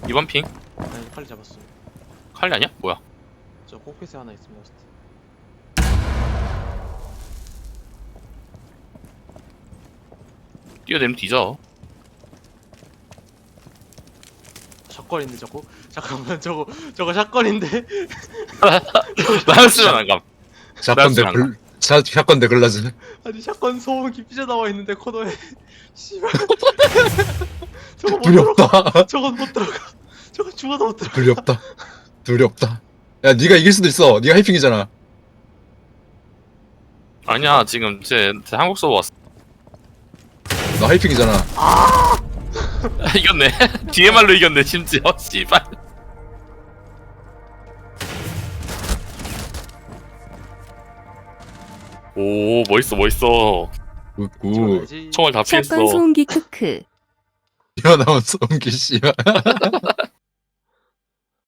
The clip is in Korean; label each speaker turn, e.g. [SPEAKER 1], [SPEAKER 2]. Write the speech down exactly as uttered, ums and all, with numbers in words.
[SPEAKER 1] 이번 핑?
[SPEAKER 2] 아니 칼리 잡았어.
[SPEAKER 1] 칼리 아니야? 뭐야?
[SPEAKER 2] 저 코핏에 하나 있습니다. 호스트.
[SPEAKER 1] 뛰어내면 뒤져.
[SPEAKER 2] 샷건인데 저거? 잠깐만 저거 저거 샷건인데?
[SPEAKER 1] 나였으면 안 감.
[SPEAKER 3] 샷건 대
[SPEAKER 1] 나였으면 안
[SPEAKER 3] 글 샷 샷건 대 글라즈.
[SPEAKER 2] 아니 샷건 소음기 삐져나와 있는데 코너에 씨발 저거 못
[SPEAKER 3] 둘이
[SPEAKER 2] 들어가.
[SPEAKER 3] 없다.
[SPEAKER 2] 저건 못 들어가. 저건 죽어도 못 들어가.
[SPEAKER 3] 둘이 없다. 둘이 없다. 야, 네가 이길 수도 있어. 네가 하이핑이잖아.
[SPEAKER 1] 아니야, 지금 제, 제 한국 서버 왔어.
[SPEAKER 3] 너 하이핑이잖아.
[SPEAKER 1] 이겼네. 디엠알로 이겼네, 심지어. 씨발. 오, 멋있어, 멋있어.
[SPEAKER 3] 굿굿.
[SPEAKER 2] 죽어야지.
[SPEAKER 1] 총알 다 피했어.
[SPEAKER 4] 샷건 소음기 크크.
[SPEAKER 3] 튀어나온 송기 씨야.